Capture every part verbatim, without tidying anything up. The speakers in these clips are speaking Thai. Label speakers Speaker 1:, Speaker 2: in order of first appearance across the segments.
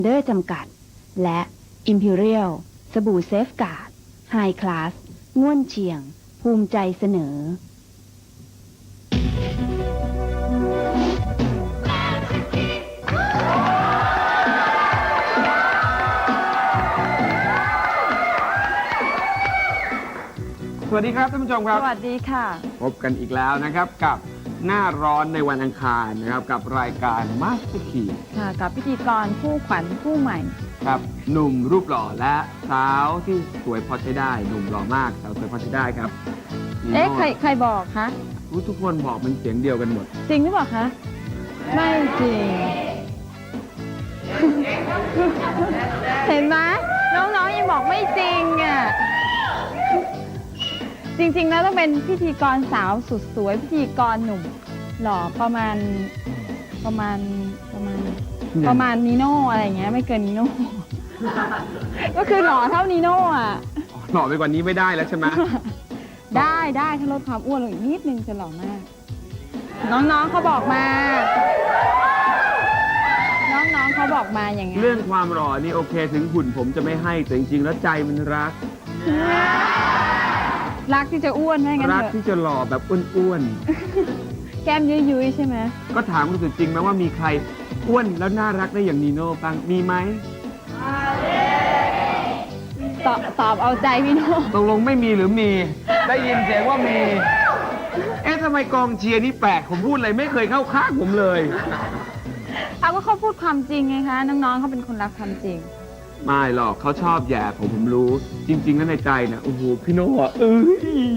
Speaker 1: เดอร์จำกัดและ Imperial สบู่เซฟการ์ดไฮคลาสง่วนเฉียง ภูมิใจเสนอ
Speaker 2: สวัสดีครับท่านผู้ชมครับ
Speaker 3: สวัสดีค่ะ
Speaker 2: พบกันอีกแล้วนะครับกับหน้าร้อนในวันอังคารนะครับกับรายการ Master Key
Speaker 3: ค่ะกับพิธีกรผู้ขวัญผู้ใหม่
Speaker 2: ครับหนุ่มรูปหล่อและสาวที่สวยพอใช้ได้หนุ่มหล่อมากสาวสวยพอใช้ได้ครับ
Speaker 3: เอ๊ะใครใครบอกคะ
Speaker 2: ทุกคนบอกมันเสียงเดียวกันหมด
Speaker 3: จริงหรือเปล่าคะไม่จริง เห็นไหมน้องๆยังบอกไม่จริงอ่ะจริงๆแล้วต้องเป็นพิธีกรสาวสุดสวยพิธีกรหนุ่มหล่อประมาณประมาณประมาณประมาณนีโน่อะไรอย่างเงี้ยไม่เกินนีโน่ ก็คือหล่อเท่านีโน่อ่ะ
Speaker 2: หล่อไปกว่านี้ไม่ได้แล้วใช่ไหม
Speaker 3: ได้ได้ถ้าลดความอ้วนลงอีกนิดนึงจะหล่อมากน้องๆเขาบอกมาน้องๆเขาบอกมาอย่างงี้
Speaker 2: เรื่องความหล่อนี่โอเคถึงหุ่นผมจะไม่ให้แต่จริงๆแล้วใจมันรัก
Speaker 3: รักที่จะอ้วนไหมงั้นเถอะ
Speaker 2: รักที่จะหล่อแบบอ้วน
Speaker 3: ๆแก้มยุยๆใช่ไหม
Speaker 2: ก็ถามคุณสุดจริงไหมว่ามีใครอ้วนแล้วน่ารักได้อย่างนีโน่บ้างมีไหม
Speaker 3: ตอบตอบเอาใจพี่โน่
Speaker 2: ตกลงไม่มีหรือมีได้ยินเสียงว่ามีเอ๊ะทำไมกองเชียร์นี่แปลกผมพูดอะไรไม่เคยเข้าข้างผมเลย
Speaker 3: เอาก็เขาพูดความจริงไงคะน้องๆเขาเป็นคนรักความจริง
Speaker 2: ไม่หรอกเขาชอบแย่ผมผมรู้จริงๆแล้วในใจนะโอ้โหพี่โน่อ่ะเอ้ย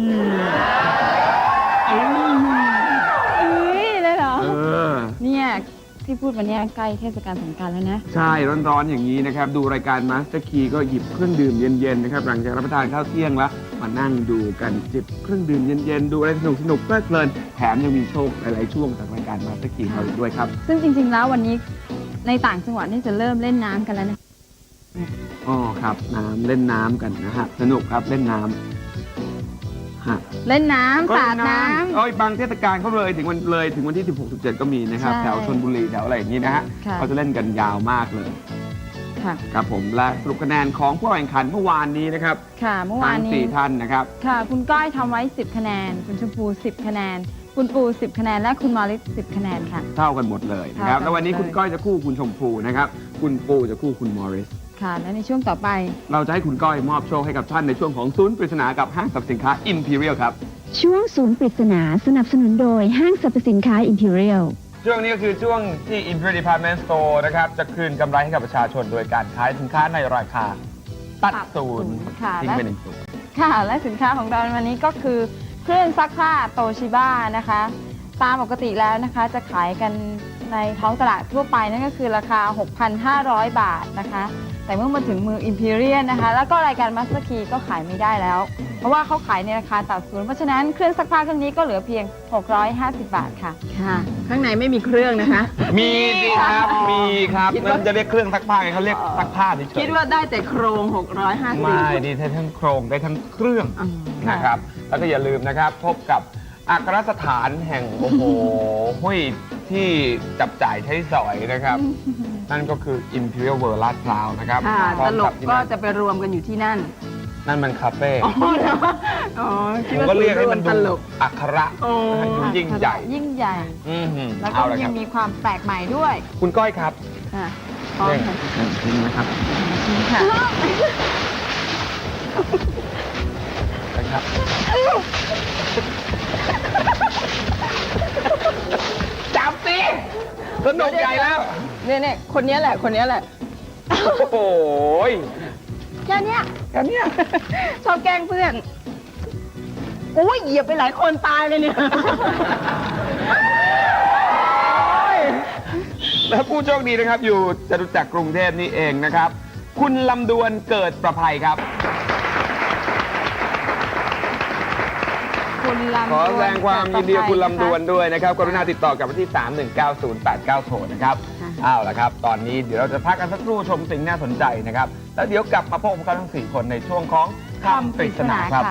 Speaker 3: เอ้ยเลยเหรอ
Speaker 2: เออ
Speaker 3: เนี่ยที่พูดวันนี้ใกล้เทศกาลสงกรานต์แล้วนะ
Speaker 2: ใช่ร้อนๆอย่างนี้นะครับดูรายการ Master Key ก็หยิบเครื่องดื่มเย็นๆนะครับหลังจากรับประทานข้าวเที่ยงแล้วมานั่งดูกันจิบเครื่องดื่มเย็นๆดูอะไรสนุกๆเพลิดเพลินแถมยังมีโชคหลายๆช่วงจากรายการ Master Key เราอีกด้วยครับ
Speaker 3: ซึ่งจริงๆแล้ววันนี้ในต่างจังหวัดนี่จะเริ่มเล่นน้ำกันแล้วนะ
Speaker 2: อ๋อครับน้ำเล่นน้ำกันนะฮะสนุกครับเล่นน้ำฮะ
Speaker 3: เล่นน้ำสาดน้
Speaker 2: ำโอ้ยบางเทศกาลเขาเลยถึงวันเลยถึงวันที่สิบหก สิบเจ็ดก็มีนะครับแถวชลบุรีแถวอะไรอย่างนี้นะฮะเขาจะเล่นกันยาวมากเลยครับผมและสรุปคะแนนของผู้แข่งขันเมื่อวานนี้นะครับ
Speaker 3: ค่ะเมื่อวานนี้
Speaker 2: ทั้งสี่ท่านนะครับ
Speaker 3: ค่ะคุณก้อยทำไว้สิบคะแนนคุณชมพูสิบคะแนนคุณปูสิบคะแนนและคุณมอริสสิบคะแนนค่ะ
Speaker 2: เท่ากันหมดเลยนะครับแล้ววันนี้คุณก้อยจะคู่คุณชมพูนะครับคุณปูจะคู่คุณมอริส
Speaker 3: ค่ะและในช่วงต่อไป
Speaker 2: เราจะให้คุณก้อยมอบโชคให้กับท่านในช่วงของศูนย์ปริศนากับห้างสรรพสินค้า Imperial ครับ
Speaker 1: ช่วงศูนย์ปริศนาสนับสนุนโดยห้างสรรพสินค้า Imperial
Speaker 2: ช่วงนี้ก็คือช่วงที่ Imperial Department Store นะครับจะคืนกำไรให้กับประชาชนโดยการขายสินค้าในราคาตัดศูนย์ทิ้งไปหนึ่งศูนย์
Speaker 3: ค่ะและสินค้าของเราวันนี้ก็คือเครื่องซักผ้าโตชิบ้านะคะตามปกติแล้วนะคะจะขายกันในท้องตลาดทั่วไปนั่นก็คือราคา หกพันห้าร้อย บาทนะคะแต่เมื่อมาถึงมือ Imperial นะคะแล้วก็รายการ Master Key ก็ขายไม่ได้แล้วเพราะว่าเขาขายในราคาตัดศูนย์เพราะฉะนั้นเครื่องซักผ้าเครื่องนี้ก็เหลือเพียงหกร้อยห้าสิบบาทค่ะ
Speaker 1: ค่ะข้างในไม่มีเครื่องนะคะ
Speaker 2: มีสิครับมีครับมันจะเรียกเครื่องซักผ้าไงเขาเรียกซักผ้าเฉย
Speaker 1: คิดว่าได้แต่โครงหกร้อยห้าสิบไม่
Speaker 2: ดีได้ทั้งโครงได้ทั้งเครื่องนะครับแล้วก็อย่าลืมนะครับพบกับอัครสถานแห่งโอ้โหห้วยที่จับจ่ายใช้สอยนะครับนั่นก็คือ Imperial World ลาดพร้าวนะครับ
Speaker 1: ตลกก็จะไปรวมกันอยู่ที่นั่น
Speaker 2: นั่นมันคาเฟ่
Speaker 1: อ๋อ
Speaker 2: ผมก็เรียกให้มันดูอัคระดูยิ่งใหญ่
Speaker 3: ยิ่งใหญ่แล้วก็ยังมีความแปลกใหม่ด้วย
Speaker 2: คุณก้อยครับ
Speaker 3: พร้อมค่ะ
Speaker 2: จริงนะครับ
Speaker 3: ค่ะ
Speaker 2: นะครับจับสิสนุกใหญ่แล้ว
Speaker 3: เนี่ยเนี่ยคนนี้แหละคนนี้แหละ
Speaker 2: โอ้ย
Speaker 3: แค่นี้
Speaker 2: แค่นี้
Speaker 3: ชอบแกล้งเพื่อนโอ้ยเหยียบไปหลายคนตายเลยเนี่ย
Speaker 2: และผู้โชคดีนะครับอยู่จตุจักรกรุงเทพนี่เองนะครับคุณลำดวนเกิดประภัยครับขอแสดงความยินดีกับคุณลำดวนด้วยนะครับกรุณาติดต่อกับที่สามหนึ่งเก้าศูนย์แปดเก้าโทรนะครับเอาล่ะครับตอนนี้เดี๋ยวเราจะพักกันสักครู่ชมสิ่งน่าสนใจนะครับแล้วเดี๋ยวกลับมาพบกันทั้งสี่คนในช่วงของคำปริศนาครับ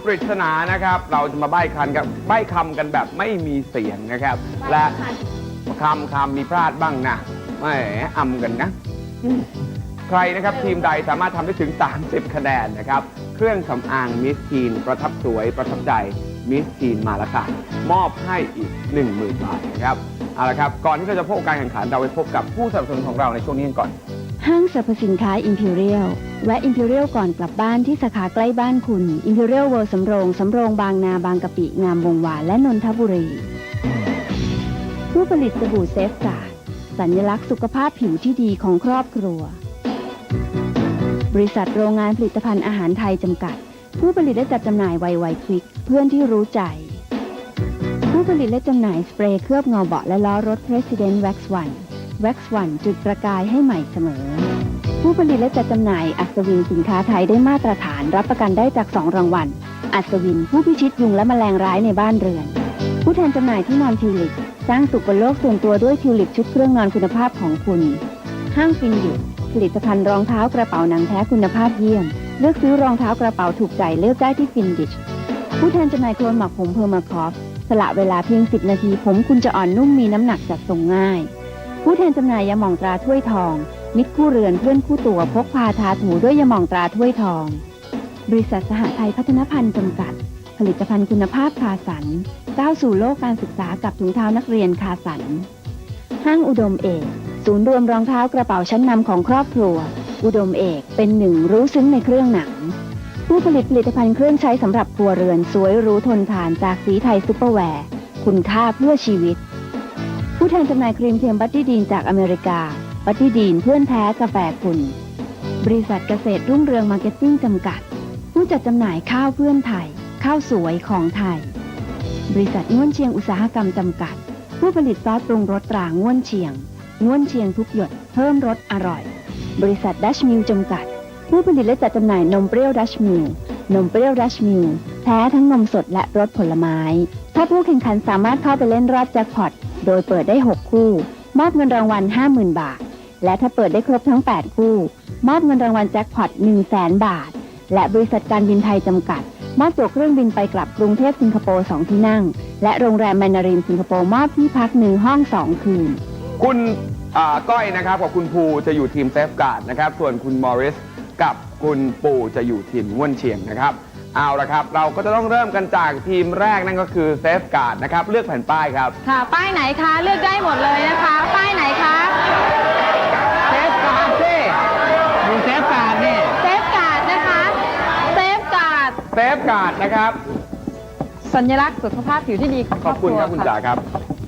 Speaker 2: ริศนานะครับ เราจะมาใบ้คันกับใบ้คำกันแบบไม่มีเสียงนะครับ และคำคำมีพลาดบ้างนะแหมอำกันนะ ใครนะครับทีมใดสามารถทำได้ถึง สามสิบ คะแนนนะครับ เครื่องสำอางมิสทีนประทับสวยประทับใจมิสทีนมาแล้วค่ะมอบให้อีก หนึ่งหมื่น บาทนะครับเอาละครับก่อนที่เราจะพบกับการแข่งขันเราไปพบกับผู้สนับสนุนของเราในช่วงนี้กันก่อน
Speaker 1: ห้างสรรพสินค้า Imperial แวะ Imperial ก่อนกลับบ้านที่สาขาใกล้บ้านคุณ Imperial World สำโรง สำโรงบางนาบางกะปิ งามวงวานและนนทบุรี ผู้ผลิตสบู่เซฟการ์ดสัญลักษณ์สุขภาพผิวที่ดีของครอบครัว บริษัทโรงงานผลิตภัณฑ์อาหารไทยจำกัด ผู้ผลิตและจัดจำหน่ายไวไวควิกเพื่อนที่รู้ใจ ผู้ผลิตและจำหน่ายสเปรย์เคลือบเงาเบาะและล้อรถ President Wax One Wax One จุดประกายให้ใหม่เสมอ ผู้ผลิตและจัดจำหน่ายอัศวินสินค้าไทยได้มาตรฐานรับประกันได้จากสองรางวัล อัศวินผู้พิชิตยุงและแมลงร้ายในบ้านเรือน ผู้แทนจำหน่ายที่นอนทิวลิปสร้างสุขบนโลกส่วนตัวด้วยทิวลิปชุดเครื่องนอนคุณภาพของคุณ ห้างฟินดิผลิตภัณฑ์รองเท้ากระเป๋าหนังแท้คุณภาพเยี่ยม เลือกซื้อรองเท้ากระเป๋าถูกใจเลือกได้ที่ฟินดิชผู้แทนจำหน่ายโคลนหมักผมเพอร์มาคอฟสละเวลาเพียงสิบนาทีผมคุณจะอ่อนนุ่มมีน้ำหนักจัดส่งง่าย ผู้แทนจำหน่ายยาหม่องตราถ้วยทอง มิตรคู่เรือนเพื่อนคู่ตัวพกพาทาถูด้วยยาหม่องตราถ้วยทอง บริษัทสหไทยพัฒนพันธ์จำกัด ผลิตภัณฑ์คุณภาพคาสันก้าวสู่โลกการศึกษากับถุงเท้านักเรียนคาสัน ห้างอุดมเอกศูนย์รวมรองเท้ากระเป๋าชั้นนำของครอบครัว อุดมเอกเป็นหนึ่งรู้ซึ้งในเครื่องหนัง ผู้ผลิตผลิตภัณฑ์เครื่องใช้สำหรับครัวเรือนสวยหรู้ทนทานจากสีไทยซุปเปอร์แวร์คุณค่าเพื่อชีวิต ผู้แทนจำหน่ายครีมเทียมบัตตี้ดีนจากอเมริกา บัตตี้ดีนเพื่อนแท้กาแฟคุณ บริษัทเกษตรรุ่งเรืองมาร์เก็ตติ้งจำกัด ผู้จัดจำหน่ายข้าวเพื่อนไทย ข้าวสวยของไทย บริษัทง่วนเชียงอุตสาหกรรมจำกัด ผู้ผลิตซอสปรุงรสตราง่วนเชียงง่วนเชียงทุกหยดเพิ่มรสอร่อย บริษัทดัชมิลจำกัด ผู้ผลิตและจัดจำหน่ายนมเปรี้ยวดัชมิลนมเปรี้ยวดัชมิลแท้ทั้งนมสดและรสผลไม้ ถ้าผู้แข่งขันสามารถเข้าไปเล่นรอบแจ็คพอตโดยเปิดได้หกคู่มอบเงินรางวัล ห้าหมื่น บาท และถ้าเปิดได้ครบทั้งแปดคู่มอบเงินรางวัลแจ็คพอต หนึ่งแสน บาท และบริษัทการบินไทยจำกัดมอบตั๋วเครื่องบินไปกลับกรุงเทพสิงคโปร์สองที่นั่งและโรงแรมแมนนารินสิงคโปร์มอบที่พักหนึ่งห้องสองคืน
Speaker 2: คุณอ่าก้อยนะครับกับคุณภูจะอยู่ทีมเซฟการ์ดนะครับส่วนคุณมอริสกับคุณปูจะอยู่ทีมง่วนเชียงนะครับเอาละครับเราก็จะต้องเริ่มกันจากทีมแรกนั่นก็คือเซฟการ์ดนะครับเลือกแผ่นป้ายครับ
Speaker 3: ค่ะ ป้ายไหนคะ เลือกได้หมดเลยนะคะ ป้ายไหนคะ
Speaker 4: เซฟการ์ดสิดูเซฟการ์ดนี่
Speaker 3: เซฟการ์ดนะคะ เซฟการ์ด
Speaker 2: เซฟการ์ดนะครับ
Speaker 3: สัญลักษณ์สุขภาพผิวที่ดีของ
Speaker 2: ขอบคุณครับคุณจ๋าครับ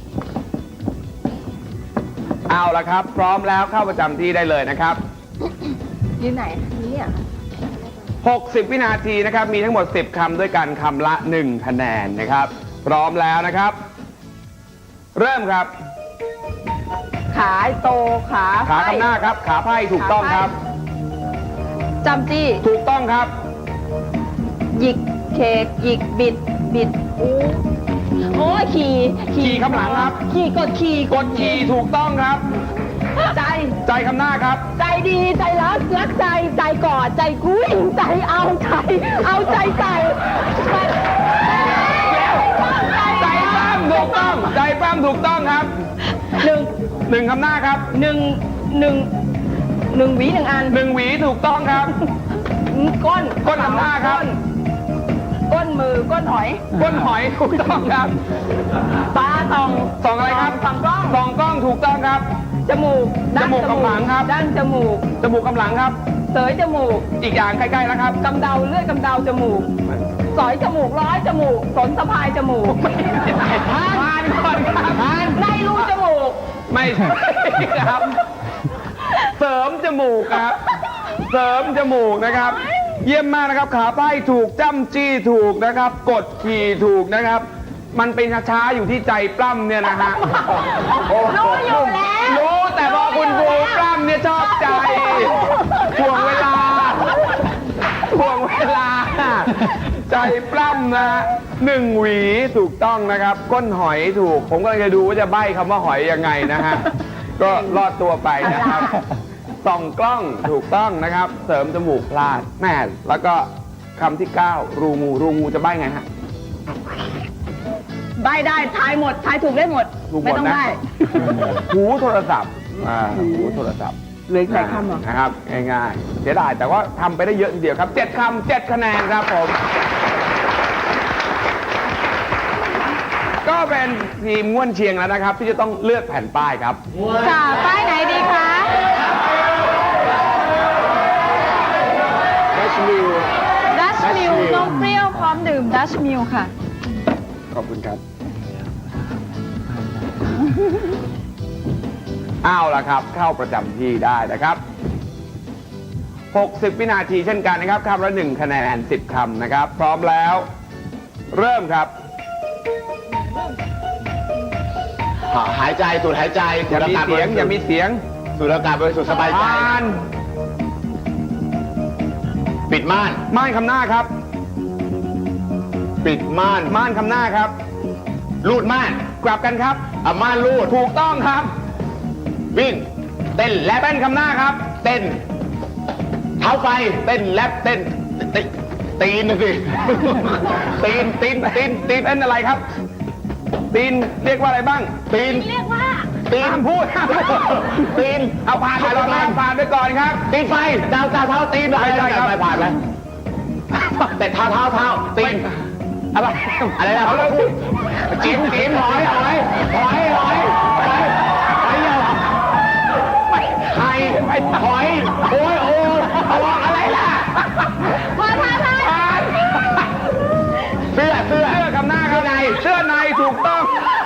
Speaker 2: เอาละครับพร้อมแล้วเข้าประจำที่ได้เลยนะครับ
Speaker 3: ยืนไหนนี่อ่ะ
Speaker 2: หกสิบ วินาทีนะครับมีทั้งหมด สิบ คำด้วยกันคำละ หนึ่ง คะแนนนะครับพร้อมแล้วนะครับ เริ่มครับ
Speaker 3: ขาโตขา
Speaker 2: ขาคำหน้าครับขาไพ่ถูกต้องครับ
Speaker 3: จำจี้
Speaker 2: ถูกต้องครับ
Speaker 3: หยิกเคกหยิกบิดบิดอู้โอ้ยขี่
Speaker 2: ขี่คำหลังครับ
Speaker 3: ขี่กดขี่
Speaker 2: กดขี่ถูกต้องครับ
Speaker 3: ใจ
Speaker 2: ใจคำหน้าครับ
Speaker 3: ใจดีใจรักรักใจใจกอดใจกุ้ยใจเอาใจเอาใจใส่ใจ
Speaker 2: ใจปล้ำถูกต้องใจปล้ำถูกต้องครับ
Speaker 3: หนึ่ง
Speaker 2: หนึ่งคำหน้าครับ
Speaker 3: หนึ่งหนึ่งหนึ่งหวีหนึ่งอัน
Speaker 2: หนึ่งหวีถูกต้องครับ
Speaker 3: ก้น
Speaker 2: ก้นคำหน้าครับ
Speaker 3: ก้นมือก้นหอย
Speaker 2: ก้นหอยถูกต้องครับ
Speaker 3: ตาส่อง
Speaker 2: สองอะไรครับ
Speaker 3: ส่องกล้อง
Speaker 2: สองกล้องถูกต้องครับ
Speaker 3: จมูกด้าน
Speaker 2: จมูกกำหลังครับ
Speaker 3: ด้านจมูก
Speaker 2: จมูกกำหลังครับ
Speaker 3: เสยจมูก
Speaker 2: อีกอย่างใกล้ๆแล้วครับ
Speaker 3: กำเดาเลือดกำเดาจมูกสอยจมูกร้อยจมูกสนสะพายจมูก
Speaker 2: ผ่านก่อนครับ
Speaker 3: ในรูจมูก
Speaker 2: ไม่ใช่ครับ เสริมจมูกครับ เสริมจมูกนะครับ เยี่ยมมากนะครับ ขาไพ่ถูกจ้ำจี้ถูกนะครับ กดขี่ถูกนะครับ มันเป็นช้าๆอยู่ที่ใจปล้ำเนี่ยนะฮะ
Speaker 3: รู้อยู่แล้ว
Speaker 2: รู้แต่พอคุณบูปล้ำเนี่ยชอบใจถ่วงเวลาถ่วงเวลา ใจปล้ำนะหนึ่งหวีถูกต้องนะครับ ก้นหอยถูก ผมก็เลยจะดูว่าจะใบ้คำว่าหอยยังไงนะฮะ ก็รอดตัวไปนะครับ ส่องกล้องถูกต้องนะครับ เสริมจมูกพลาดแม่แล้วก็คำที่เก้ารูงูรูงูจะใบ้ไงฮะ
Speaker 5: ใบได้ทายหมดทายถูกได้หมด
Speaker 2: ถูกหม
Speaker 5: ไม่
Speaker 2: ด
Speaker 5: ต้อง
Speaker 2: นะ
Speaker 5: ใบ
Speaker 2: หูโทรศัพท์อ่าหูโทรศัพท์
Speaker 5: เหลืออีกหลายคำเหรอ
Speaker 2: นะครับง่ายๆเสียดายแต่ว่าทำไปได้เยอะทีเดียวครับเจ็ดคำเจ็ดคะแนนครับผม ก็เป็นทีมง่วนเชียงแล้วนะครับ ที่จะต้องเลือกแผ่นป้ายครับ
Speaker 3: ค่ะ ป้ายไหนดีคะ
Speaker 2: ดัชมิล
Speaker 3: ดัชมิลนมเปรี้ยวพร้อมดื่มดัชมิลค่ะ
Speaker 2: ขอบคุณครับ เอาละครับ เข้าประจำที่ได้นะครับ หกสิบ วินาทีเช่นกันนะครับคำละหนึ่งคะแนนสิบคำนะครับ พร้อมแล้ว เริ่มครับ
Speaker 4: หายใจสูดหายใจ
Speaker 2: อย่ามีเสียงอย่ามีเสียง
Speaker 4: สูดอากาศบริสุทธิ์สบายใจ
Speaker 2: ม่าน
Speaker 4: ปิดม่าน
Speaker 2: ม่านคำหน้าครับ
Speaker 4: ปิดม่าน
Speaker 2: ม่านคำหน้าครับ
Speaker 4: รูดม่าน
Speaker 2: กลับกันครับ
Speaker 4: อ่ะม่านรูด
Speaker 2: ถูกต้องครับ
Speaker 4: วิ่ง เต้นแลบ
Speaker 2: เต้นคำหน้าครับ
Speaker 4: เต้น เท้าไฟ เต้นแลบเต้นตีตีนน่ะสิ ตีนตีนตีนตีน
Speaker 2: เต้นอะไรครับ ตีนเรียกว่าอะไรบ้าง
Speaker 4: ตีน
Speaker 5: เรียกว่า
Speaker 4: ตีน
Speaker 2: ห้ามพูดห้ามพูด
Speaker 4: ตีน
Speaker 2: เอาผ่านไปก่อนนะผ่านไปก่อนครับ
Speaker 4: ตีนไฟดาวดาวเท้าตีน
Speaker 2: ไม่ใช่ครับ
Speaker 4: ไปผ่านไหมแต่เท้าเท้าเท้าตีน
Speaker 2: อะไร
Speaker 4: อะไรนะ
Speaker 2: เอาเลยพูด
Speaker 4: จิ้มจิ้มหอยหอยหอยหอยหอยหอยเยอะไข่หอยโอ้ยโอ้ยตัวอะไรล่ะ
Speaker 5: พอทายทาย
Speaker 2: ผ่าน
Speaker 4: เสื้อเสื้อ
Speaker 2: เสื้อคำหน้าครับในเสื้อในถูกต้อง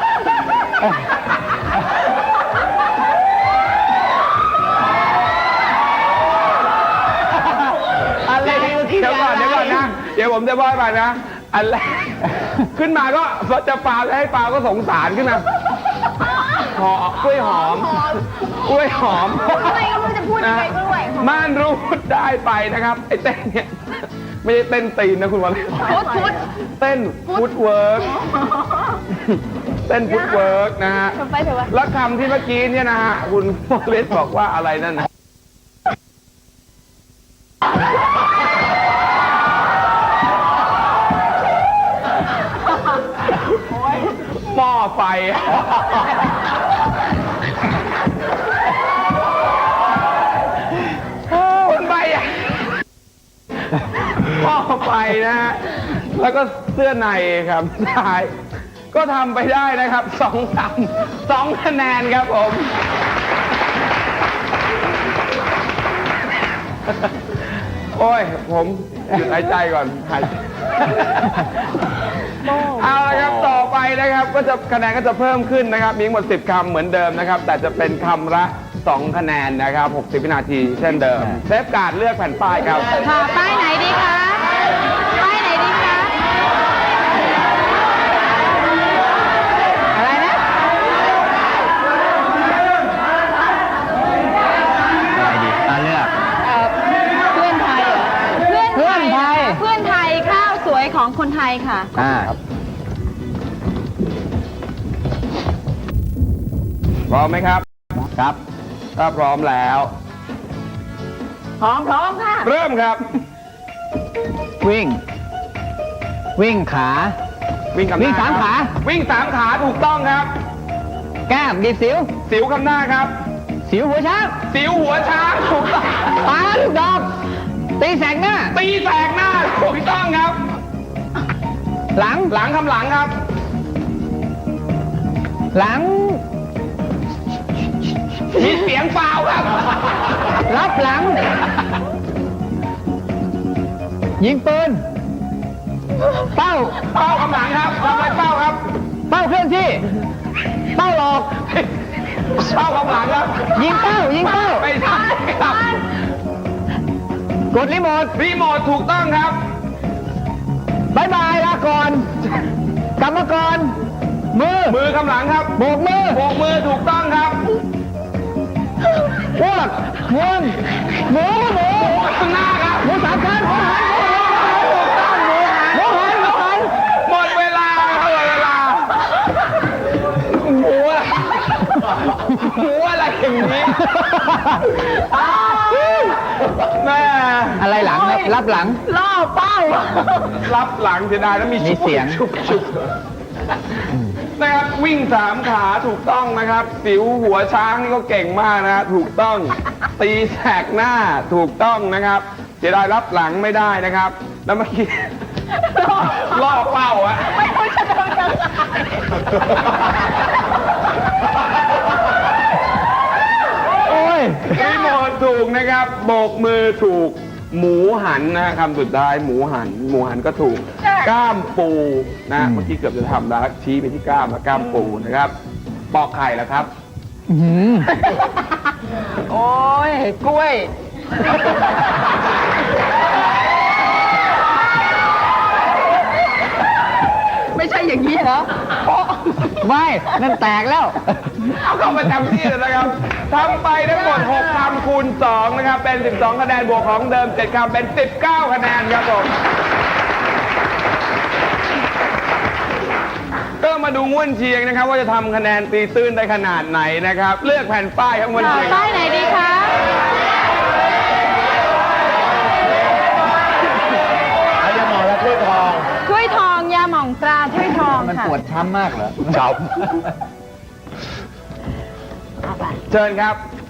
Speaker 4: อะไร
Speaker 2: เดี๋ยวก่อนเดี๋ยวก่อนนะ เดี๋ยวผมจะบอกให้ฟังนะ อันแรกขึ้นมาก็จะปาให้ปาก็สงสารขึ้นมาหอมกล้วยหอมกล้วยหอม
Speaker 5: ทำไมก็ไม่รู้จะพูดยังไงก็ด้วย
Speaker 2: ม่านรูดได้ไปนะครับ ไอ้เต้นเนี่ย ไม่ใช่เต้นตีนนะคุณวอลเล
Speaker 5: ฟุตฟุต
Speaker 2: เต้นฟุตเวิร์กเต้นฟุตเวิร์กนะฮะ
Speaker 5: ทำไปเถอะวะ
Speaker 2: แล้วคำที่เมื่อกี้เนี่ยนะฮะคุณวอลเลสบอกว่าอะไรนั่นนะหม้อไฟ คนใบอ่ะหม้อไฟนะฮะ แล้วก็เสื้อในครับท้าย ก็ทำไปได้นะครับสองคำสองคะแนนครับผม โอ้ย ผมหยุดหายใจก่อนหายใจเอาละครับ ต่อไปนะครับ ก็จะคะแนนก็จะเพิ่มขึ้นนะครับ มีทั้งหมดสิบคำเหมือนเดิมนะครับ แต่จะเป็นคำละสองคะแนนนะครับหกสิบ วินาทีเช่นเดิม เซฟการ์ดเลือกแผ่นป้ายครับ
Speaker 3: ค่ะ ป้ายไหนดีคะ ป้ายไหนดีคะ
Speaker 4: อะไรนะอะไรดีอ่ะเลือก
Speaker 3: เอ่อเพื่อนไทยเหรอ เพื่อน
Speaker 4: เพื่อนไทย
Speaker 3: เพื่อนไทยข้าวสวยของคนไทยค่ะ
Speaker 4: อ่า
Speaker 2: พร้อมไหมครับ
Speaker 4: ครับ
Speaker 2: ถ้าพร้อมแล้ว
Speaker 5: พร้อมพร้อมค่ะ
Speaker 2: เริ่มครับ
Speaker 4: วิ่ง วิ่งขา
Speaker 2: วิ่งคำหน้า
Speaker 4: วิ่งสาม
Speaker 2: ครับ
Speaker 4: ขา
Speaker 2: วิ่งสามขาถูกต้องครับ
Speaker 4: แก้มดีดสิว
Speaker 2: สิวคำหน้าครับ
Speaker 4: สิวหัวช้าง
Speaker 2: สิวหัวช้างถูกต้อง
Speaker 4: ปาลูกดอกตีแสกหน้า
Speaker 2: ตีแสกหน้าถูกต้องครับ
Speaker 4: หลัง
Speaker 2: หลังคำหลังครับ
Speaker 4: หลัง
Speaker 2: มีเสียงเปล่าครับ
Speaker 4: รับหลัง ยิงปืน เป้า
Speaker 2: เป้าคำหลังครับทำไมเป้าครับ
Speaker 4: เป้าเคลื่อนที่ เป้าหลอก
Speaker 2: เป้าคำหลังครับ
Speaker 4: ยิงเป้า ยิงเป้า
Speaker 2: ไม่ใช่ครับ
Speaker 4: กดรีโมท
Speaker 2: รีโมทถูกต้องครับ
Speaker 4: บายบายลาก่อน กลับมาก่อน มือ
Speaker 2: มือคำหลังครับ
Speaker 4: โบกมือ
Speaker 2: โบกมือถูกต้องครับ
Speaker 4: อ้วกง่วงหมูหมู
Speaker 2: ข้างหน้าครับ
Speaker 4: หมูสามชั้นหมูหัน
Speaker 2: ถูกต้องหมูหัน
Speaker 4: หมูหันหมูหัน
Speaker 2: หมดเวลาครับหมดเวลาหมูอะไรหมูอะไรอย่างนี้แม่
Speaker 4: อะไรหลังครับรับหลัง
Speaker 5: ล่อเป้า
Speaker 2: รับหลังเสียดายแล้วมี
Speaker 4: มีเสียง
Speaker 2: ชุบชุบนะครับวิ่งสามขาถูกต้องนะครับ สิวหัวช้างนี่ก็เก่งมากนะฮะถูกต้อง ตีแสกหน้าถูกต้องนะครับ เสียดายรับหลังไม่ได้นะครับ แล้วเมื่อกี้ ล่อเป้าอะ
Speaker 5: ไม่รู้จะทำยังไง
Speaker 4: โอ้ย
Speaker 2: พี่โมถูกนะครับ โบกมือถูก หมูหันนะฮะคำสุดท้ายหมูหัน หมูหันก็ถูก กล้ามปูนะ
Speaker 4: อืม
Speaker 2: เมื่อกี้เกือบจะทำแล้วชี้ไปที่กล้ามแล้วกล้ามปูนะครับ ปอกไข่แล้วครับ
Speaker 4: อื้อหือโอ้ยกล้วย
Speaker 5: ไม่ใช่อย่างนี้เหรอ
Speaker 4: ไม่ นั่นแตกแล้ว
Speaker 2: เอาเข้าประจำที่เลยนะครับทำไปทั้งหมดหกคำคูณสองนะครับ เป็นสิบสองคะแนนบวกของเดิมเจ็ดคำเป็นสิบเก้าคะแนนครับผม ก็มาดูง่วนเชียงนะครับ ว่าจะทำคะแนนตีตื้นได้ขนาดไหนนะครับ เลือกแผ่นป้ายครับง่วนเชียง
Speaker 3: ป้ายไหนดีคะ
Speaker 4: เอายาหมอและถ้วยทอง
Speaker 3: ถ้วยทองยาหม่องตราถ้วยทอง
Speaker 4: มัน
Speaker 3: ค่ะ
Speaker 4: ปวดช้ำมากเหรอ
Speaker 2: ครับ เชิญครับ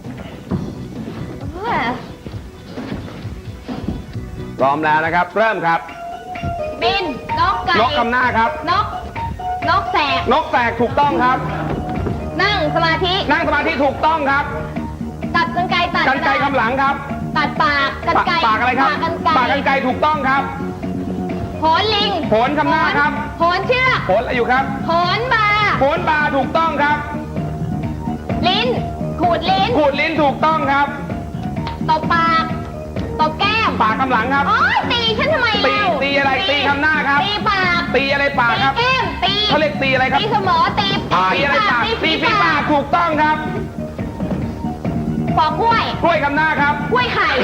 Speaker 2: พร้อมแล้วนะครับ เริ่มครับ
Speaker 5: บิน นกไก่
Speaker 2: นกคำหน้าครับ
Speaker 5: นก นกแสก
Speaker 2: นกแสกถูกต้องครับ
Speaker 5: นั่งสมาธิ
Speaker 2: นั่งสมาธิถูกต้องครับ
Speaker 5: ตัดกันไกรตัด
Speaker 2: กันไกรคำหลังครับ
Speaker 5: ตัดปากกันไกร
Speaker 2: ปากอะไรครับ
Speaker 5: ปากกันไกร
Speaker 2: ปากกันไกรถูกต้องครับ
Speaker 5: โหนลิง
Speaker 2: โหนคำหน้าครับ
Speaker 5: โหนเชือก
Speaker 2: โหนอะไรอยู่ครับ
Speaker 5: โหนบา
Speaker 2: โหนบาถูกต้องครับ
Speaker 5: ลิ้น ขูดลิ้น
Speaker 2: ขูดลิ้นถูกต้องครับ
Speaker 5: ตบปาก ตบแก้ม
Speaker 2: ปากคำหลังครับ
Speaker 5: โอ๊ยตีฉันทำไม
Speaker 2: ตี
Speaker 5: เล่า
Speaker 2: ตีอะไรตีคำหน้าครับ
Speaker 5: ตีปาก
Speaker 2: ตีอะไรปากครับ
Speaker 5: ตีแก้มตี
Speaker 2: เขาเรียกตีอะไรครับ
Speaker 5: ตีสมอตี
Speaker 2: ตีอะไรปากตีฝีปากถูกต้องครับ
Speaker 5: ปอกกล้วย
Speaker 2: กล้วยคำหน้าครับ
Speaker 5: กล้วยไข่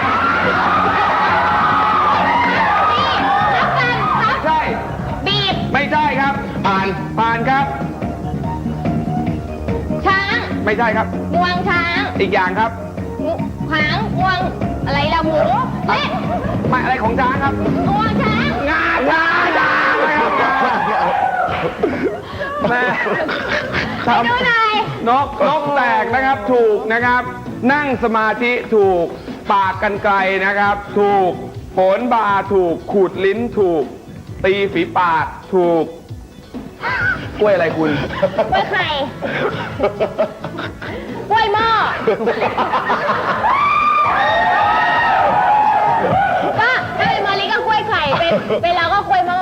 Speaker 5: นี่รับกันครับ
Speaker 2: ใช่
Speaker 5: บีบ
Speaker 2: ไม่ใช่ครับ ผ่านผ่านครับ
Speaker 5: ช้าง
Speaker 2: ไม่ใช่ครับ
Speaker 5: งวงช้าง
Speaker 2: อีกอย่างครับ
Speaker 5: งูหางงวง อะไรล่ะหมูเอ๊ะ
Speaker 2: ไม่อะไรของช้างครับ
Speaker 5: งวงช้าง
Speaker 2: งาช้างช้างไม่ครับแม่
Speaker 5: ไปดูหน่อย
Speaker 2: นกนกแตกนะครับถูกนะครับ นั่งสมาธิถูก ปากกันไกลนะครับ ถูกโหนบาถูกขูดลิ้นถูก ตีฝีปากถูกกล้วยอะไรคุณ
Speaker 5: กล้วยไข่กล้วยหม้อก็ถ้าเป็นมาริก็กล้วยไข่เป็นเป็นเราก็กล้วยหม้อ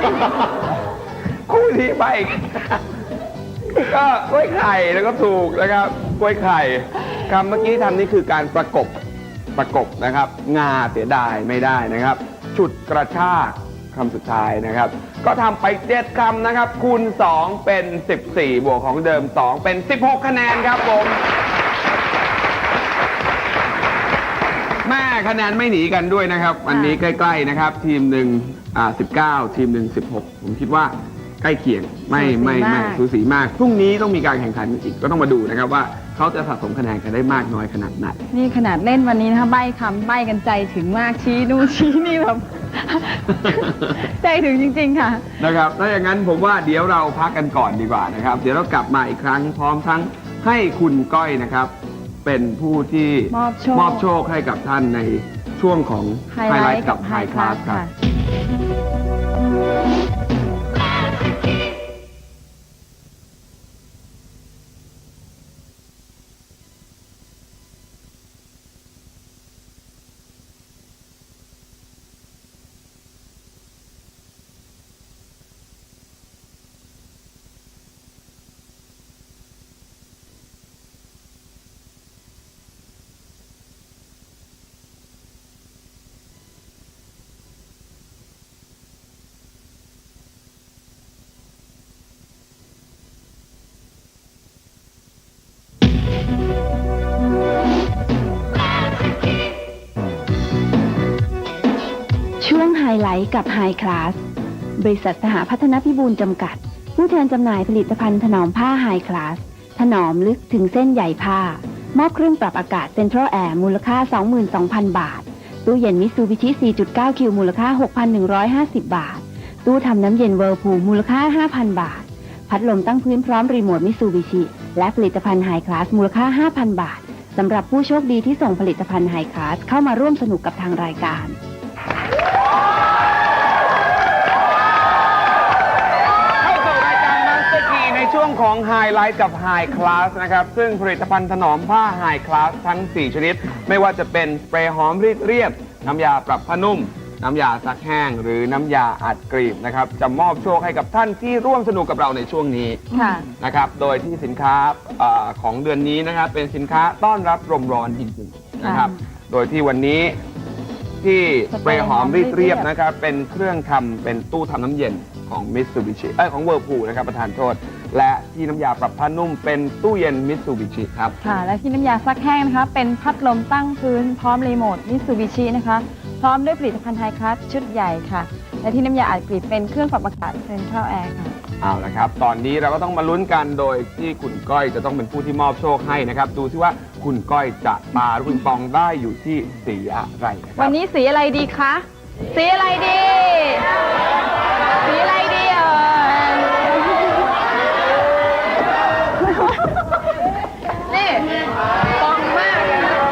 Speaker 2: คู่นี้ไปอีกก็กล้วยไข่แล้วก็ถูกนะครับกล้วยไข่คำเมื่อกี้ทำนี่คือการประกบประกบนะครับ งาเสียดายไม่ได้นะครับ ฉุดกระชากคำสุดท้ายนะครับ ก็ทำไปเจ็ดคำนะครับ คูณสองเป็นสิบสี่บวกของเดิมสองเป็นสิบหกคะแนนครับผมแม่คะแนนไม่หนีกันด้วยนะครับวันนี้ใกล้ๆนะครับ ทีมหนึ่งอ่าสิบเก้าทีมหนึ่งสิบหกผมคิดว่าใกล้เคียงไม่ไม่ไม่สูสีมากพรุ่งนี้ต้องมีการแข่งขันอีกก็ต้องมาดูนะครับว่าเขาจะสะสมคะแนนกันได้มากน้อยขนาดไหน
Speaker 3: นี่ขนาดเล่นวันนี้นะคะใบ้คำใบ้กันใจถึงมากชี้นู่นชี้นี่แบบ ใจถึงจริงๆค่ะ
Speaker 2: นะครับถ้าอย่างนั้นผมว่าเดี๋ยวเราพักกันก่อนดีกว่านะครับ เดี๋ยวเรากลับมาอีกครั้งพร้อมทั้งให้คุณก้อยนะครับ เป็นผู้ที่
Speaker 3: มอบโชค
Speaker 2: มอบโชคให้กับท่านในช่วงของ
Speaker 3: ไฮไลท์กับไฮคลาสค่ะ
Speaker 1: ช่วงไฮไลท์กับไฮคลาส บริษัทสหพัฒนพิบูลจำกัด ผู้แทนจำหน่ายผลิตภัณฑ์ถนอมผ้าไฮคลาส ถนอมลึกถึงเส้นใยผ้ามอบเครื่องปรับอากาศ Central Air มูลค่า สองหมื่นสองพัน บาท ตู้เย็น Mitsubishi สี่จุดเก้า คิว มูลค่า หกพันหนึ่งร้อยห้าสิบ บาท ตู้ทำน้ำเย็น Whirlpool มูลค่า ห้าพัน บาท พัดลมตั้งพื้นพร้อมรีโมท Mitsubishi และผลิตภัณฑ์ High Class มูลค่า ห้าพัน บาทสำหรับผู้โชคดีที่ส่งผลิตภัณฑ์ High Class เข้ามาร่วมสนุกกับทางรายการ
Speaker 2: เข้าสู่รายการ Master Key ในช่วงของไฮไลท์กับ High Class นะครับ ซึ่งผลิตภัณฑ์ถนอมผ้า High Class ทั้ง สี่ ชนิด ไม่ว่าจะเป็นสเปรย์หอมรีดเรียบ น้ำยาปรับผ้านุ่ม น้ำยาซักแห้ง หรือน้ำยาอัดกรีบนะครับ จะมอบโชคให้กับท่านที่ร่วมสนุกกับเราในช่วงนี้
Speaker 3: ค่ะ
Speaker 2: นะครับ โดยที่สินค้าเออของเดือนนี้นะครับ เป็นสินค้าต้อนรับลมร้อนจริงๆนะครับ โดยที่วันนี้ที่สเปรย์หอมรีดเรียบนะครับ เป็นเครื่องทำเป็นตู้ทำน้ำเย็นของ Mitsubishi เอ้ยของ Whirlpool นะครับประธานโทษ และที่น้ำยาปรับผ้านุ่มเป็นตู้เย็น Mitsubishi ครับ
Speaker 3: ค่ะ และที่น้ำยาซักแห้งนะคะ เป็นพัดลมตั้งพื้นพร้อมรีโมท Mitsubishi นะคะ พร้อมด้วยผลิตภัณฑ์ไฮคลาสชุดใหญ่ค่ะ และที่น้ำยาอัดกรีบเป็นเครื่องปรับอากาศ Central Air ค่ะ
Speaker 2: เอาละครับ ตอนนี้เราก็ต้องมาลุ้นกันโดยที่คุณก้อยจะต้องเป็นผู้ที่มอบโชคให้นะครับ ดูซิว่าคุณก้อยจะปาลูกปิงปองได้อยู่ที่สีอะไรนะครับ
Speaker 3: วันนี้สีอะไรดีคะ สีอะไรดี สีอะไรดีเอ่ยนี่ปองมากเลยนะ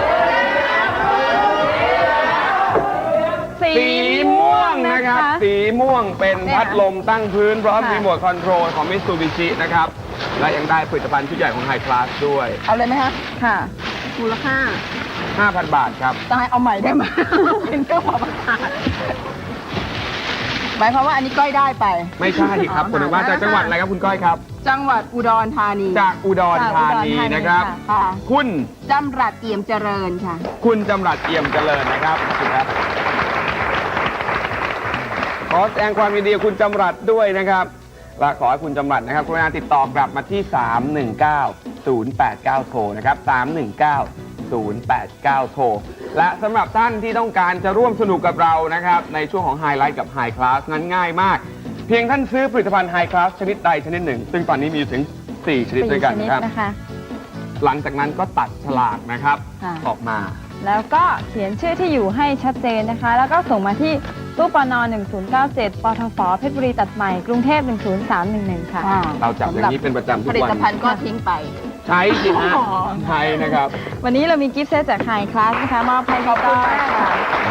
Speaker 3: สี
Speaker 2: สีม่วงนะครับ สีม่วงเป็นพัดลมตั้งพื้นพร้อม
Speaker 3: ค่ะ
Speaker 2: รีโมทคอนโทรลของ Mitsubishi นะครับ และยังได้ผลิตภัณฑ์ชุดใหญ่ของ High Class ด้วย
Speaker 6: เอาเลยไหมคะ
Speaker 3: ค่ะ
Speaker 6: มูลค่า
Speaker 2: ห้าพัน บาทครับ
Speaker 6: จะให้เอาใหม่ได้ไหม เป็นเครื่องปรับอากาศหมายความว่าอันนี้ก้อยได้ไป
Speaker 2: ไม่ใช่ครับ
Speaker 6: อ๋อ
Speaker 2: คุณว่าจากจังหวัดอะไรครับคุณก้อยครับ
Speaker 6: จังหวัดอุดรธานี
Speaker 2: จากอุดรธานีนะครับ
Speaker 6: ค่ะ
Speaker 2: คุณ
Speaker 6: จำรัดเอี่ยมเจริญค่ะ
Speaker 2: คุณจำรัดเอี่ยมเจริญนะครับขอบคุณครับ ขอแสดงความยินดีกับคุณจำรัดด้วยนะครับและขอให้คุณจำรัดนะครับกรุณาติดต่อกลับมาที่ สามหนึ่งเก้า ศูนย์แปดเก้า โทรนะครับ สามหนึ่งเก้า ศูนย์แปดเก้า โทร และสำหรับท่านที่ต้องการจะร่วมสนุกกับเรานะครับในช่วงของไฮไลท์กับไฮคลาสนั้นง่ายมาก เพียงท่านซื้อผลิตภัณฑ์ไฮคลาสชนิดใดชนิดหนึ่ง ซึ่งตอนนี้มีอยู่ถึง สี่ ชนิดด้วยกัน
Speaker 3: สี่ช
Speaker 2: นะครับ
Speaker 3: นะคะ
Speaker 2: หลังจากนั้นก็ตัดฉลากนะครับ
Speaker 3: ค่ะ
Speaker 2: ออกมา
Speaker 3: แล้วก็เขียนชื่อที่อยู่ให้ชัดเจนนะคะ แล้วก็ส่งมาที่ตู้ปนหนึ่งศูนย์เก้าเจ็ดปทฟเพชรบุรีตัดใหม่กรุงเทพหนึ่งศูนย์สามหนึ่งหนึ่งค่ะ
Speaker 2: เราจับอย่างนี้เป็นประจำทุ
Speaker 6: ผ
Speaker 2: ก
Speaker 6: ลิ
Speaker 2: วัน
Speaker 6: ตภัณฑ์ก็ทิ้งไป
Speaker 2: ใช้จริงฮะ
Speaker 6: อ๋อ
Speaker 2: ใช้นะครับ
Speaker 3: วันนี้เรามีกิฟต์เซตจากไฮคลาสนะคะมอบให้พี่ก้อยค่ะ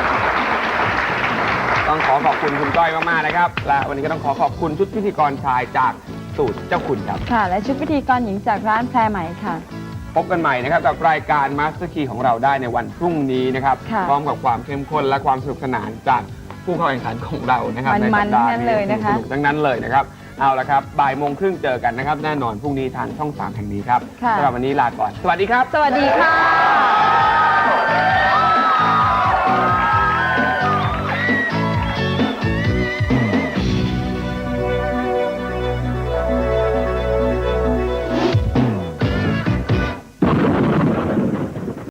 Speaker 2: ต้องขอขอบคุณคุณก้อยมากๆนะครับ และวันนี้ก็ต้องขอขอบคุณชุดพิธีกรชายจากสูตรเจ้าคุณครับ
Speaker 3: ค่ะ และชุดพิธีกรหญิงจากร้านแพรไหมค่ะ
Speaker 2: พบกันใหม่นะครับกับรายการ Master Key ของเราได้ในวันพรุ่งนี้นะครับ
Speaker 3: ค่ะ
Speaker 2: พร้อมกับความเข้มข้นและความสนุกสนานจากผู้เข้าแข่งขันของเรานะครับ
Speaker 3: มันๆ
Speaker 2: ในสัปดาห์
Speaker 3: ทั้งนั้นเลยนะคะ
Speaker 2: สนุกๆทั้งนั้นเลยนะครับ เอาละครับบ่ายโมงครึ่งเจอกันนะครับ แน่นอนพรุ่งนี้ทางช่องสามแห่งนี้ครับ
Speaker 3: ค่ะ
Speaker 2: สำหรับวันนี้ลาก่อน สวัสดีครับ
Speaker 3: สวัสดีค่ะ